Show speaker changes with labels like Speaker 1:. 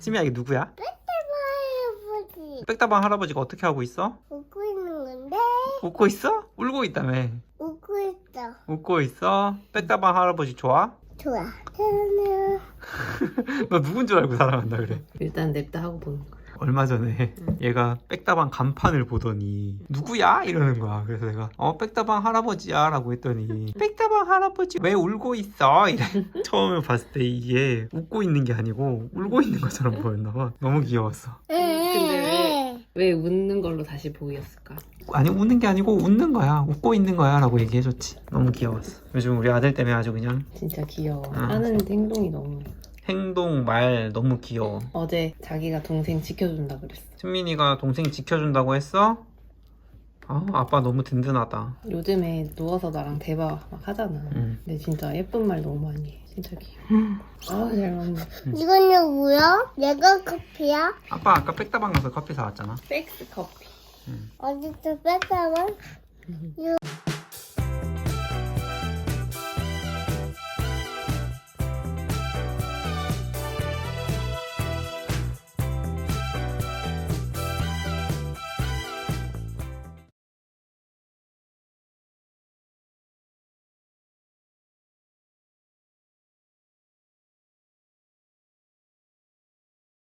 Speaker 1: 수미야, 이게 누구야?
Speaker 2: 할아버지
Speaker 1: 백다방 할아버지가 어떻게 하고 있어?
Speaker 2: 웃고 있는 건데
Speaker 1: 웃고 있어? 울고 있다며.
Speaker 2: 웃고 있어.
Speaker 1: 웃고 있어? 백다방 할아버지 좋아?
Speaker 2: 좋아. 저는
Speaker 1: 너 누군 줄 알고 사랑한다 그래.
Speaker 3: 일단 냅다 하고 보는 거야.
Speaker 1: 얼마 전에 얘가 백다방 간판을 보더니 누구야? 이러는 거야. 그래서 내가 백다방 할아버지야 라고 했더니 백다방 할아버지 왜 울고 있어? 이래. 처음에 봤을 때 이게 웃고 있는 게 아니고 울고 있는 것처럼 보였나 봐. 너무 귀여웠어.
Speaker 3: 근데 왜 웃는 걸로 다시 보였을까?
Speaker 1: 아니 웃는 게 아니고 웃는 거야. 웃고 있는 거야 라고 얘기해줬지. 너무 귀여웠어. 요즘 우리 아들 때문에 아주 그냥
Speaker 3: 진짜 귀여워.
Speaker 1: 응.
Speaker 3: 하는 행동이 너무.
Speaker 1: 행동, 말 너무 귀여워.
Speaker 3: 어제 자기가 동생 지켜준다 그랬어.
Speaker 1: 승민이가 동생 지켜준다고 했어? 아빠 너무 든든하다.
Speaker 3: 요즘에 누워서 나랑 대화 막 하잖아.
Speaker 1: 응.
Speaker 3: 근데 진짜 예쁜 말 너무 많이 해. 진짜 귀여워. 잘 먹네.
Speaker 2: 이건 뭐야? 내가 커피야?
Speaker 1: 아빠 아까 백다방 가서 커피 사왔잖아.
Speaker 3: 백스 커피.
Speaker 2: 어디서 뺐다만?